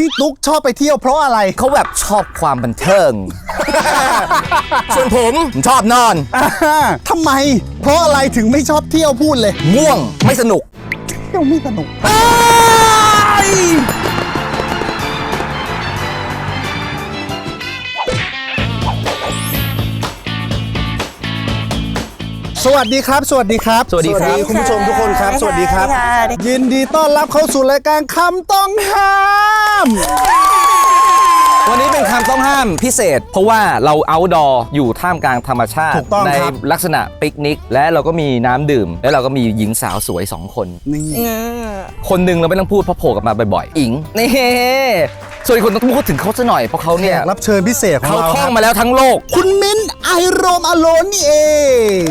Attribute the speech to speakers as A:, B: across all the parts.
A: พี่ตุ๊กชอบไปเที่ยวเพราะอะไร
B: เขาแบบชอบความบันเทิง ส่วนผมชอบนอน
A: ทำไมเพราะอะไรถึงไม่ชอบเที่ยวพูดเลย
B: ง่วงไม่สนุก
A: เที่ยวไม่สนุกสวัสดีครับสวัสดีครับ
B: สวัสดีครับ
A: คุณผู้ชมทุกคนครับสวัสดีครับยินดีต้อนรับเข้าสู่รายการคำต้องห้าม
B: วันนี้เป็นคำต้องห้ามพิเศษเพราะว่าเราเอาท์ดอร์อยู่ท่ามกลางธรรมชาติในลักษณะปิกนิกและเราก็มีน้ำดื่มและเราก็มีหญิงสาวสวย2คนคนหนึ่งเราไม่ต้องพูดเพราะโผล่กลับมาบ่อยๆอิงนี่ส่วนอีกคนต้องพูดถึงเขาซะหน่อยเพราะเขาเนี่ย
A: รับเชิญพิเศษของเรา
B: เขาท่องมาแล้วทั้งโลก
A: คุณมิ้นท์ไอโรมอโลนนี่เอง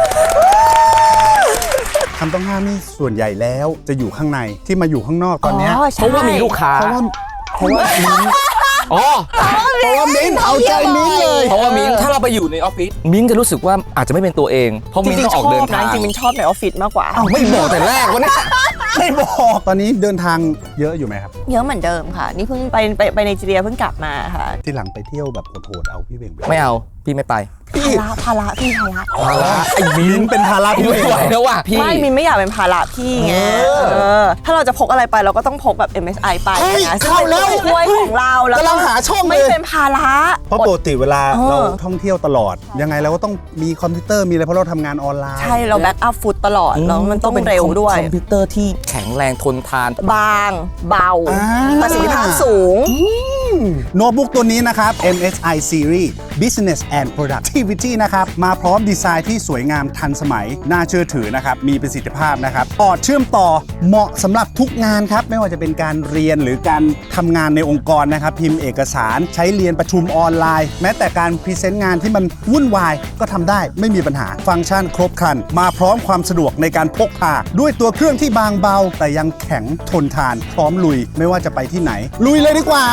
A: คำต้องห้ามนี่ส่วนใหญ่แล้วจะอยู่ข้างในที่มาอยู่ข้างนอกตอนนี้
B: เพราะว่ามีลูกค้า
A: เพราะว่ามิ้นท์เพราะว่ามิ้นท์เอาใจมิ้นท์เลย
B: เพราะว่ามิ้นท์ถ้าเราไปอยู่ในออฟฟิศมิ้นท์จะรู้สึกว่าอาจจะไม่เป็นตัวเองเพราะมิ้นท์ต้องออกเดินทาง
C: จริงๆมิ้นท์ชอบในออฟฟิศมากกว่า
B: ไม่บอกแต่แรกวะเนี่ย
A: ไม่บอกตอนนี้เดินทางเยอะอยู่ไหมครับ
C: เยอะเหมือนเดิมค่ะนี่เพิ่งไปไนจีเรียเพิ่งกลับมาค่ะ
A: ที่หลังไปเที่ยวแบบโหดๆเอาพี่เบ่ง
B: ไม่เอาพี่ไม่ไป
C: ภาระไ
A: อ้มิ้นเป็นภาระพี่
B: ไม่ไหวแล้วว่ะพี่
C: ไม่มิ้นไม่อยากเป็นภาระพี่ไงถ้าเราจะพกอะไรไปเราก็ต้องพกแบบ MSI ไปนะ
A: เข้าแล้ว
C: ถ้วยของเราแล้ว
A: กำลังหาช่อง
C: ไม่เป็นภาระ
A: เพราะปกติเวลาเราท่องเที่ยวตลอดยังไงเราก็ต้องมีคอมพิวเตอร์มีอะไรเพราะเราทำงานออนไลน์
C: ใช่เราแบ็กอัพฟุตตลอดแล้วมันต้องเร็วด้วย
B: คอมพิวเตอร์ที่แข็งแรงทนทาน
C: บางเบาประสิทธิภาพสูง
A: โน้ตบุ๊กตัวนี้นะครับ MSI Series Business and Productivity นะครับมาพร้อมดีไซน์ที่สวยงามทันสมัยน่าเชื่อถือนะครับมีประสิทธิภาพนะครับปอดเชื่อมต่อเหมาะสำหรับทุกงานครับไม่ว่าจะเป็นการเรียนหรือการทำงานในองค์กรนะครับพิมพ์เอกสารใช้เรียนประชุมออนไลน์แม้แต่การพรีเซนต์งานที่มันวุ่นวายก็ทำได้ไม่มีปัญหาฟังก์ชันครบครันมาพร้อมความสะดวกในการพกพาด้วยตัวเครื่องที่บางเบาแต่ยังแข็งทนทานพร้อมลุยไม่ว่าจะไปที่ไหนลุยเลยดีกว่า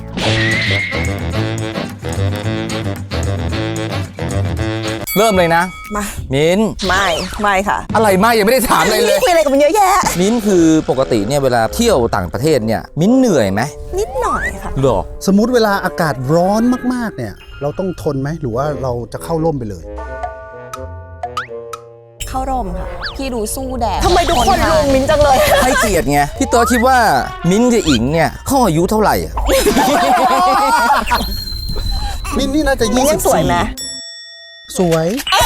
B: เริ่มเลยนะ
C: มา
B: มิ้น
C: ไม่ค่ะ
B: อะไรไม่ยังไม่ได้ถามอะไรเลย
C: คุยอะไรกับมันเยอะแยะ
B: มิ้นคือปกติเนี่ยเวลาเที่ยวต่างประเทศเนี่ยมิ้นเหนื่อยไหม
C: นิดหน่อยค่ะ
B: หรอ
A: สมมุติเวลาอากาศร้อนมากๆเนี่ยเราต้องทนไหมหรือว่าเราจะเข้าร่มไปเลย
C: เข้าร่มค่ะพี่ดูสู้แดดทำไมทุกคนลุงมิ้นจังเลย
B: ให้เกียรติไงพี่ตัวคิดว่ามิ้นกับอิงเนี่ยเขาอายุเท่าไหร่อ่ะ
A: มิ้นนี่น่าจะ24
C: สวยไหม
A: สวย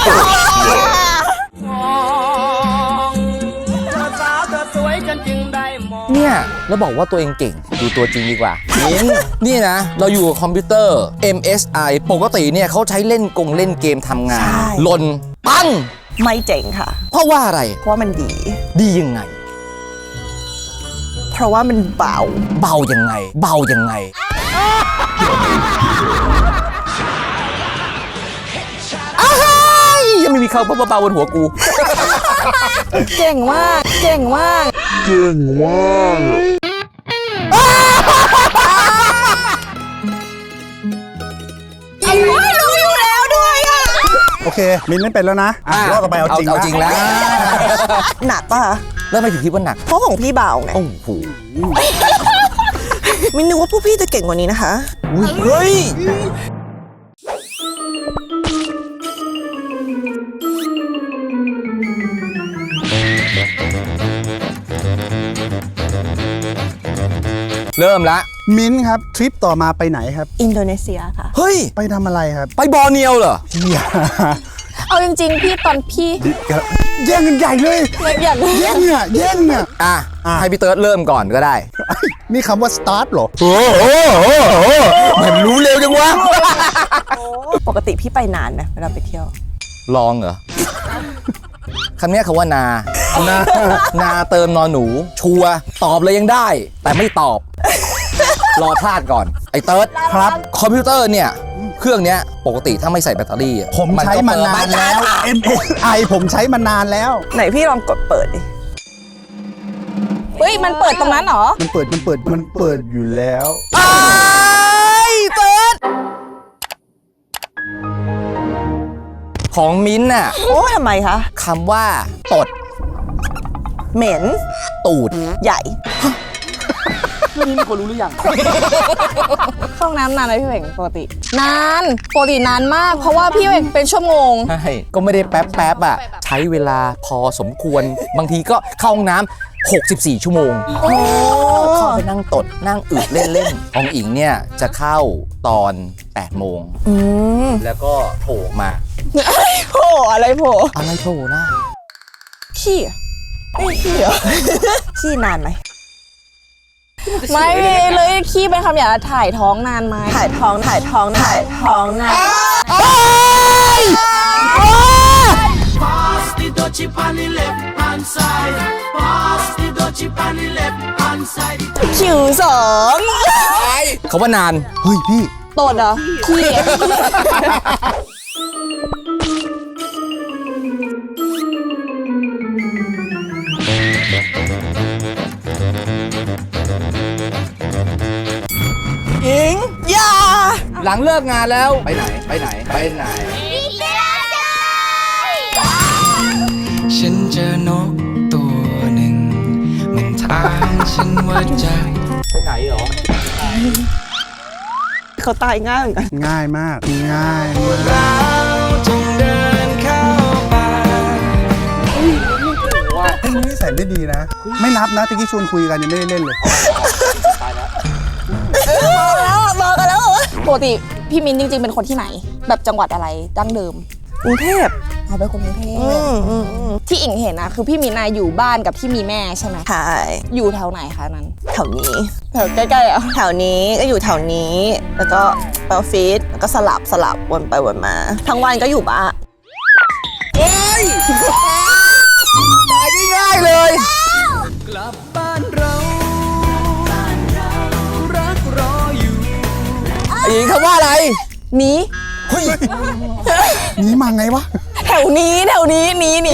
B: เนี่ยแล้วบอกว่าตัวเองเก่งดูตัวจริงดีกว่านี่นะเราอยู่กับคอมพิวเตอร์ MSI ปกติเนี่ยเขาใช้เล่นเกมทำงานหล่นปั้ง
C: ไม่เจ๋งค่ะ
B: เพราะว่าอะไร
C: เพราะมัน
B: ดียังไง
C: เพราะว่ามันเบา
B: ยังไงยังไม่มีเขาเบาบนหัวกู
C: เก่งมากรู้อยู่แล้วด้วยอ่ะ
A: โอเคมิ้นเล่นเป็นแล้วนะรอบต่อไปเอาจริง
B: แล้ว
C: หนักป่ะ
B: แล้วทำไมถึงคิดว่าหนัก
C: เพราะของพี่เบาไง
B: โอ้โห
C: มิ้นนึกว่าพวกพี่จะเก่งกว่านี้นะคะ
B: เฮ้ยเริ่มละ
A: มิ้นครับทริปต่อมาไปไหนครับ
C: อินโดนีเซียค่ะ
B: เฮ้ย
A: ไปทำอะไรครับ
B: ไปบอร์เนียวเหรอ
C: เอาจริงๆพี่ตอนพี่
A: แย่งกันใหญ่เลยแย่ง
B: ให้พี่เติร์ดเริ่มก่อนก็ได้
A: นี่คำว่า start หรอ
B: มันรู้เร็วจังวะ
C: ปกติพี่ไปนานไหมเวลาไปเที่ยว
B: ลองเหรอคำนี้คำว่านาเติมนอหนูชัวตอบเลยยังได้แต่ไม่ตอบรอพลาดก่อนไอ้เติร์ด
A: ครับ
B: คอมพิวเตอร์เนี่ยเครื่องเนี้ยปกติถ้าไม่ใส่แบตเตอรี่
A: ผมใช้มานานแล้ว MSI ผมใช้มานานแล้ว
C: ไหนพี่ลองกดเปิดดิเฮ้ยมันเปิดตรงนั้นเหรอ
A: มันเปิดอยู่แล้ว
B: ไอ้เติร์ดของมิ้นท์น่ะ
C: โอ้ทำไมคะ
B: คำว่าตด
C: เหม็น
B: ตูด
C: ใหญ่
A: เรื่องนี้มีคนรู้หรือยัง
C: เข้าห้องน้ำนานไหมพี่เหว่งปกติ นานปกตินานมาก เพราะว่าพี่เหว่งเป็นชั่วโมง
B: ใช่ก็ไม่ได้แป๊บอ่ะใช้เวลาพอสมควรบางทีก็เข้าห้องน้ำ64 ชั่วโมงเข้าไปนั่งตดนั่งอึเล่นๆของอิงเนี่ยจะเข้าตอน8 โมงแล้วก็โผล่มา
C: โผล่อะไรโผล่
B: อะไรโผล่หน้า
C: ขี้อะไม่ขี้เหรอ ขี้นานไหมไม่เลยขี้เป็นคำหยาบถ่ายท้องนานไหมถ่ายท้องนาน
D: Pass the dutchie on the left hand side. Pass the dutchie on the left hand side.
C: คิวสอง
B: เขาว่านาน
A: เฮ้ยพี่
C: ตดเหรอขี้อะ อิงอย่า
B: หลังเลิกงานแล้วไปไหน
E: ฉันเจอนกตัวหนึ่ง มันถามฉันว่าจะ
B: ไปไหนเหรอ
C: เขาตายง่ายเหมือนกัน
A: ง่ายมากง่ายมาก
E: เราจงเดินเข้าไป
A: นิสัยไม่ดีนะ ไม่นับนะตะกี้ชวนคุยกันยังไม่ได้เล่นเลย
C: บอกกันแล้วเหรอปกติพี่มินจริงๆเป็นคนที่ไหน แบบจังหวัดอะไรดั้งเดิมกรุงเทพเอาเป็นคนกรุงเทพที่อิงเห็นนะคือพี่มินน่ะอยู่บ้านกับที่มีแม่ใช่ไหมใช่อยู่แถวไหนคะนั้นแถวนี้แถวใกล้ๆอ่ะแถวนี้ก็อยู่แถวนี้ แล้วก็ไปออฟฟิศแล้วก็สลับวนไปวนมา ทั้งวันก็อยู่บ้าน
B: ตายง่ายๆเลย
E: กลับบ้านเรารักรออยู่
B: ไอ้หญิงคำว่าอะไร
C: หนี
A: นี่มาไงวะ
C: แถวนี้หนีอะไรไม่หนี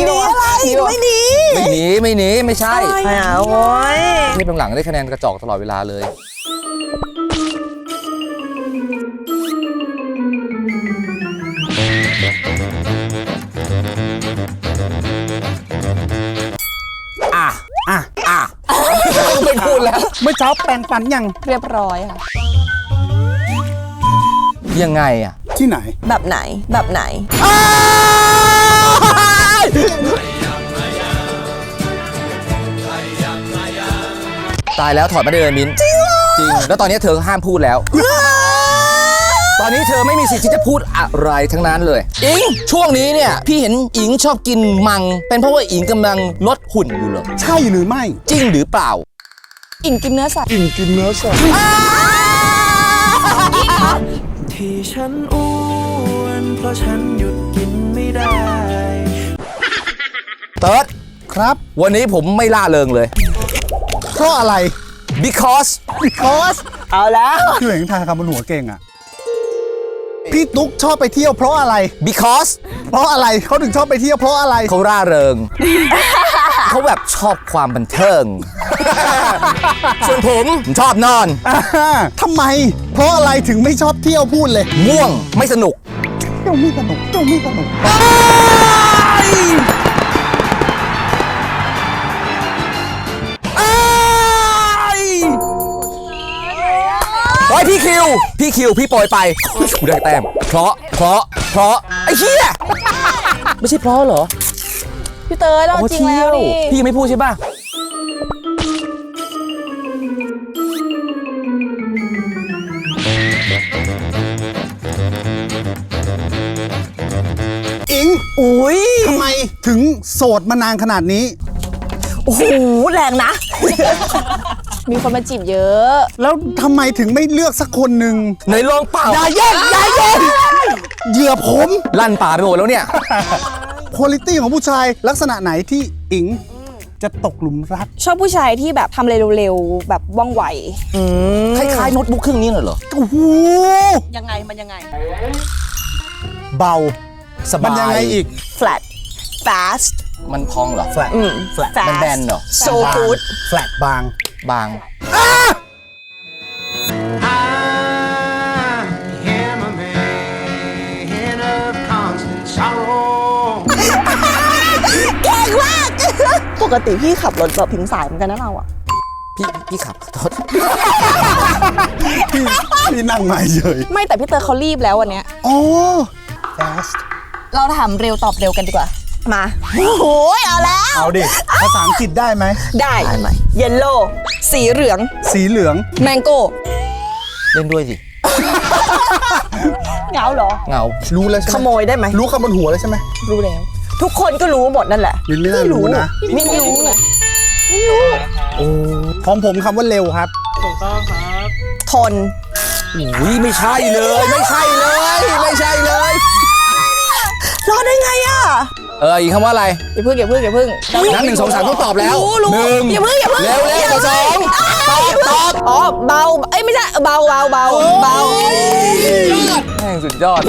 B: ไม่ใช่
C: ไม่เอาโว้ย
B: เทปหลังๆได้คะแนนกระจอกตลอดเวลาเลย ไม่พูดแล้ว
A: เมื่อเช้าแปรงฟันยัง
C: เรียบร้อยค่ะ
B: ยังไงอ่ะ
A: ที่ไหน
C: แบบไหน
B: ตายแล้วถอดมาได้เลยมิ้น จริงแล้วตอนนี้เธอห้ามพูดแล้ว ตอนนี้เธอไม่มีสิทธิ์ที่จะพูดอะไรทั้งนั้นเลย อิงช่วงนี้เนี่ยพี่เห็นอิงชอบกินมัง เป็นเพราะว่าอิงกำลังลดหุ่นอยู่เหรอ
A: ใช่หรือไม่
B: จริงหรือเปล่า
C: อิงกินเนื้อสัตว์
A: กินเนื้อสัตว์
E: ที่ฉันอ้วนเพราะฉันหยุดกินไม่ได้
B: เติร์ด
A: ครับ
B: วันนี้ผมไม่ล่าเริงเลย
A: เพราะอะไร
B: because
C: เอาแล้ว
A: พี่เหวงทายคำบนหัวเก่งอ่ะ พี่ตุ๊กชอบไปเที่ยวเพราะอะไร
B: because
A: เพราะอะไรเขาถึงชอบไปเที่ยวเพราะอะไร
B: เขาร่าเริง เขาแบบชอบความบันเทิง ส่วนผมชอบนอน
A: ทำไม เพราะอะไรถึงไม่ชอบเที่ยวพูดเลย
B: ง่วงไม่สนุก
A: เที่ยวไม่สนุกเที่ยวไม่สนุก
B: โอ้ยพี่คิวพี่โปรยไปกูได้แต้มเพราะไอ้เหี้ยไม่ใช่เพราะเหรอ
C: พี่เตยเราจริงแล้วดิ
B: พี่ยังไม่พูดใช่ป่ะ
A: อิง
C: อุ้ย
A: ทำไมถึงโสดมานานขนาดนี้
C: โอ้โหแรงนะ มีคนมาจีบเยอะ
A: แล้วทำไมถึงไม่เลือกสักคนหนึ่ง
B: ในลองเปล่า
A: อย่าแย่งเหยื่อผม
B: ลั่นป่าไปหมดแล้วเนี่ย
A: คุณภาพของผู้ชายลักษณะไหนที่อิงจะตกหลุมรัก
C: ชอบผู้ชายที่แบบทำอะไรเร็วๆแบบว่องไว
B: คล้ายๆโน้ตบุ๊กเครื่องนี้เหรอ
A: โอ้โห
C: ยังไงมันยังไง
A: เบา
B: สบาย
A: มันยังไงอีก
C: flat fast
B: มันพองเหรอ
A: flat flat
B: มันแบนเหรอ
C: so good
A: flat บาง
B: บาง
D: I am a man of constant sorrow.
C: เก่งมาก ปกติพี่ขับรถแบบถึงสายเหมือนกันนะเราอะ
B: พี่ขับโทษ
A: พี่นั่งมาเฉย
C: ไม่แต่พี่เตอร์เขารีบแล้ววันเนี้ย
A: โอ้ fast
C: เราถามเร็วตอบเร็วกันดีกว่า มาโอ้โหเอาแล้ว
A: เอาดิ ภาษาอังกฤษได้ไหม
C: ได้เยลโล่สีเหลือง
A: สีเหลือง
C: แมงโก้
B: เล่นด้วยสิ
C: เหงาเหรอ
B: เหงา
A: รู้แล้วใช่ไหม
C: ขโมยได้ไหม
A: รู้คำบนหัวเลยใช่ไหม
C: รู้แล้ว ทุกคนก็รู้หมดนั่นแหละ
A: มินไม่น่ารู้นะ
C: ไม่รู้เลย
A: ของผมคำว่าเร็วครับ
C: ทน
B: อุ้ยไม่ใช่เลย ไม่ใช่เลย ไม่ใช่เลย
C: รอดได้ไงอ่ะ
B: อีกคำว่าอะไร
C: อย่าพึ่ง
B: นับ1 2 3ต้องตอบแล้ว
C: รู้
B: หนึ่ง
C: อย่าพึ่ง
B: เร็วสองตอบ
C: อ๋อเบาเอ้ยไม่ใช่เบา
B: แม่งสุดยอด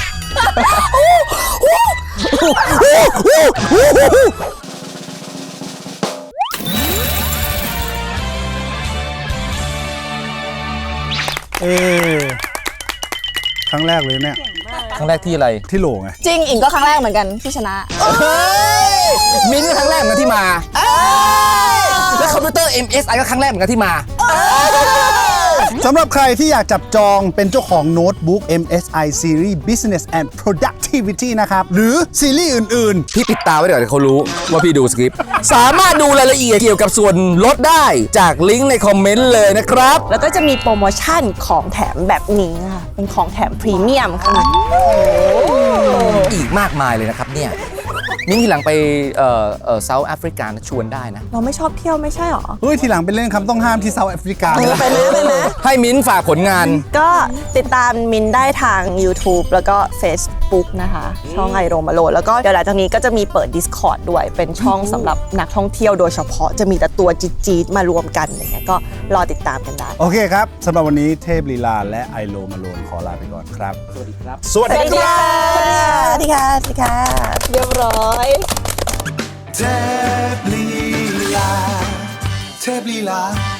A: ครั้งแรกเลยเนี่ย
B: ครั้งแรกที่อะไร
A: ที่โหลไง
C: จริงอิงก็ครั้งแรกเหมือนกันที่ชนะ
B: มิ้นท์ก็ครั้งแรกเหมือนกันที่มา แล้วคอมพิวเตอร์ MSI ก็ครั้งแรกเหมือนกันที่มา
A: สำหรับใครที่อยากจับจองเป็นเจ้าของโน้ตบุ๊ก MSI Series Business and Productivity นะครับ หรือซีรีส์อื่น
B: พี่ปิดตาไว้เดี๋ยวเขารู้ว่าพี่ดูสคริปต์ สามารถดูรายละเอียดเกี่ยวกับส่วนลดได้จากลิงก์ในคอมเมนต์เลยนะครับ
C: แล้วก็จะมีโปรโมชั่นของแถมแบบนี้ค่ะ เป็นของแถมพรีเมียมค่ะ
B: อีกมากมายเลยนะครับเนี่ย มิ้นท์ทีหลังไปเซาท์แอฟริกาชวนได้นะ
C: เราไม่ชอบเที่ยวไม่ใช่หรอ
A: ๆ เฮ้ย ทีหลังไปเล่นคำต้องห้ามที่เซาท์แอฟริกา
C: ไปนะไปนะ
B: ให้มิ้นท์ฝากผลงาน
C: ก็ติดตามมินได้ทาง YouTube แล้วก็ Facebook นะคะ ช่องไอโรมาโลแล้วก็เดี๋ยวหลังจากนี้ก็จะมีเปิด Discord ด้วย เป็นช่องสำหรับนักท่องเที่ยวโดยเฉพาะจะมีแต่ตัวจี๊ดๆมารวมกันอย่างเงี้ยก็รอติดตามกันได้
A: โอเคครับสำหรับวันนี้เทพลีลาและไอโลมาโลนขอลาไปก่อนครับ สวัสดีครับ สวัสดีครับ
C: สวัสดีค่ะสวัสดีค่ะเรียบร้อย
D: เทพลีลา